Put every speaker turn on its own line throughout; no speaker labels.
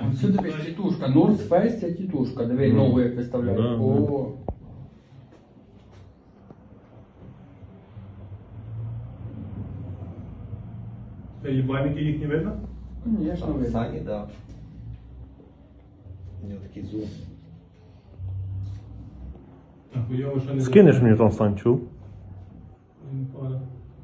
Сюди дивись, тітушка. North Face це тітушка. Диви, нову як виставляють.
Да,
О.
Єбальники їх не видно?
Конечно, видно.
Сані, да. У нього такий зум.
А хуйово, що не
Скинеш мені там Сань, чув?
Не понял.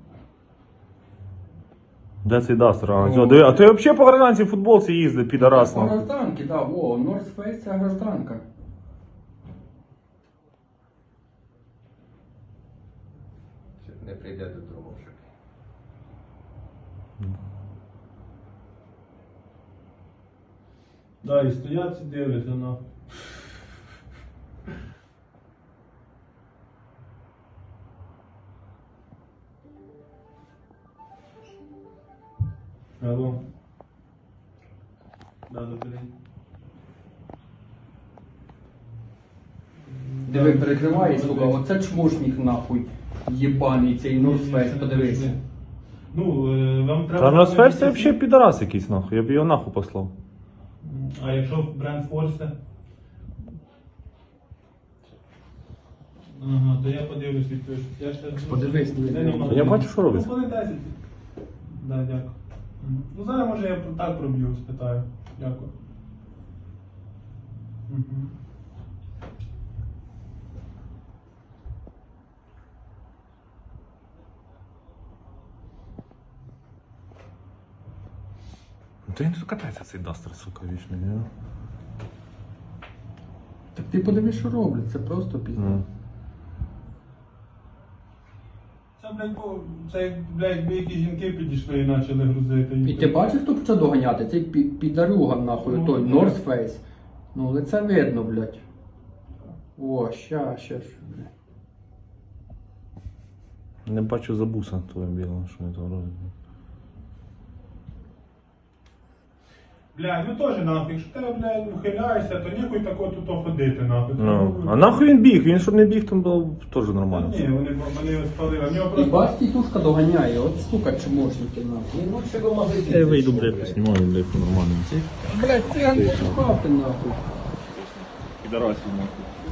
Де цей Дастер? А ти взагалі по гражданці в футболці їздив, підарас.
По гражданки, да, во, North Face це гражданка.
Не прийде додому вже.
Да, і стоять і дивляться на. Алло. Да, добрий день.
Диви, перекриває, сука, оце чмошник нахуй. Єбаний цей North Face, подивись.
Ну, вам треба...
Та North Face це взагалі підарас якийсь нахуй, я б його нахуй послав.
А якщо бренд Force? Ага, то я подивлюсь відпишу. Я ще...
Подивись, дивись.
Я бачу, що робиться.
Ну, коли 10. Да, дякую. Ну, зараз може я так проб'ю, спитаю. Дякую. Угу.
Та він тут катається цей Дастер, сука, вічний, ні?
Так ти подивись, що роблять, це просто пізно.
Ну.
Це, блядь, це, блядь, якби якісь жінки підійшли і почали грузити.
І ти бачиш, хто почав доганяти? Цей підарюга нахуй,
Ну,
той
да.
North Face. Ну, лице видно, блядь. О, ща, блядь.
Не бачу забуса твого білого, що він там робить.
Блядь, ну теж нахуй, якщо ти, блядь, ухиляєшся, то ніхуй тако тут ходити, нахуй.
Ну. А нахуй він біг? Він щоб не біг, там було б теж
Та
нормально.
ні, вони спалили. В нього
І
просто...
бач, тітушка доганяє, от сука, чмошники нахуй.
Він лучше в магазин.
Я вийду, блядь, поснімаю, блядь, нормально.
Блядь, циган пошукав ти нахуй.
Підарасів нахуй.